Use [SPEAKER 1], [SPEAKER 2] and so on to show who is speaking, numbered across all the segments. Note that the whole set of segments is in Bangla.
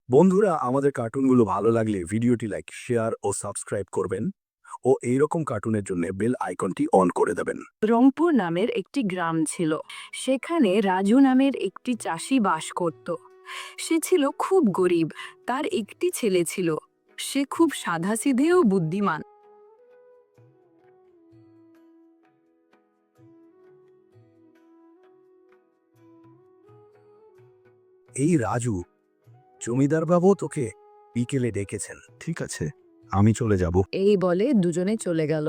[SPEAKER 1] বন্ধুরা, আমাদের কার্টুনগুলো ভালো লাগলে ভিডিওটি লাইক, শেয়ার ও সাবস্ক্রাইব করবেন ও এইরকম কার্টুনের জন্য বেল আইকনটি অন করে দেবেন।
[SPEAKER 2] রংপুর নামের একটি গ্রাম ছিল। সেখানে রাজু নামের একটি চাষি বাস করত। সে ছিল খুব গরিব। তার একটি ছেলে ছিল। সে খুব সাধাসিধে ও বুদ্ধিমান।
[SPEAKER 1] এই রাজু, জমিদার বাবু তোকে বিকেলে ডেকেছেন। ঠিক আছে, আমি চলে যাব।
[SPEAKER 2] এই বলে দুজনে চলে গেল।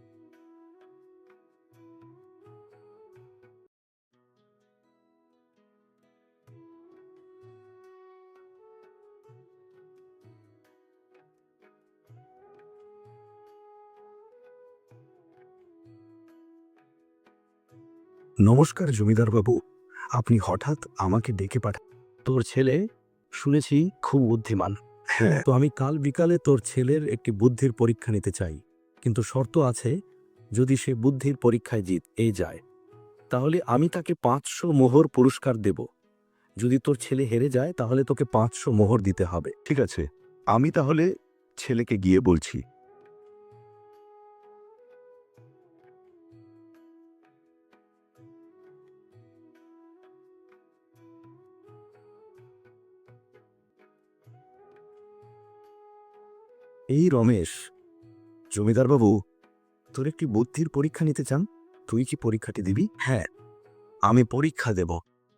[SPEAKER 1] নমস্কার জমিদার বাবু, আপনি হঠাৎ আমাকে ডেকে পাঠান। তোর ছেলে শুনেছি খুব বুদ্ধিমান। হ্যাঁ, তো আমি কাল বিকালে তোর ছেলের একটি বুদ্ধির পরীক্ষা নিতে চাই, কিন্তু শর্ত আছে, যদি সে বুদ্ধির পরীক্ষায় এই যায় তাহলে আমি তাকে 500 মোহর পুরস্কার দেব। যদি তোর ছেলে হেরে যায় তাহলে তোকে 500 মোহর দিতে হবে।
[SPEAKER 3] ঠিক আছে, আমি তাহলে ছেলেকে গিয়ে বলছি।
[SPEAKER 1] এই রমেশ, জমিদার বাবু তোর একটি বুদ্ধির পরীক্ষা নিতে চান। তুই কি পরীক্ষাটি দিবি? হ্যাঁ, আমি পরীক্ষা দেব।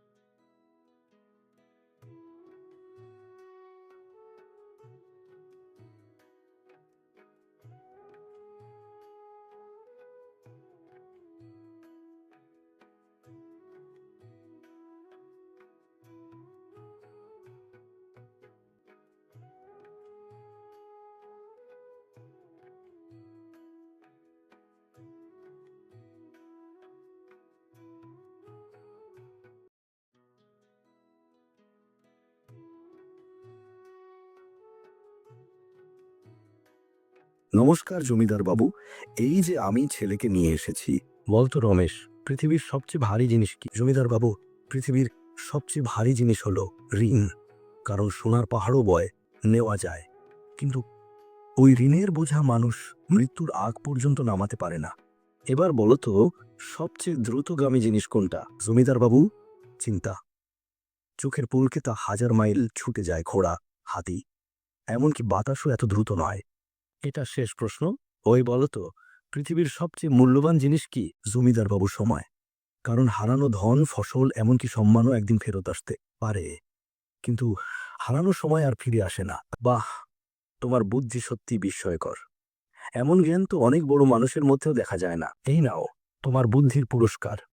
[SPEAKER 1] নমস্কার জমিদার বাবু, এই যে আমি ছেলেকে নিয়ে এসেছি। বলতো রমেশ, পৃথিবীর সবচেয়ে ভারী জিনিস কি? জমিদার বাবু, পৃথিবীর সবচেয়ে ভারী জিনিস হলো ঋণ। কারণ সোনার পাহাড়ও বয়, নেওয়া যায়, কিন্তু ওই ঋণের বোঝা মানুষ মৃত্যুর আগ পর্যন্ত নামাতে পারে না। এবার বলো তো, সবচেয়ে দ্রুতগামী জিনিস কোনটা? জমিদার বাবু, চিন্তা। চোখের পলকে তা 1000 মাইল ছুটে যায় ঘোড়া, হাতি, এমনকি বাতাসও এত দ্রুত নয়। এটা শেষ প্রশ্ন। ওই বলো তো, পৃথিবীর সবচেয়ে মূল্যবান জিনিস কি? জমিদার বাবু, সময়। কারণ হারানো ধন, ফসল, এমনকি সম্মানও একদিন ফেরত আসতে পারে, কিন্তু হারানো সময় আর ফিরে আসে না। বাহ, তোমার বুদ্ধি সত্যি বিস্ময়কর। এমন জ্ঞান তো অনেক বড় মানুষের মধ্যেও দেখা যায় না। এই নাও তোমার বুদ্ধির পুরস্কার।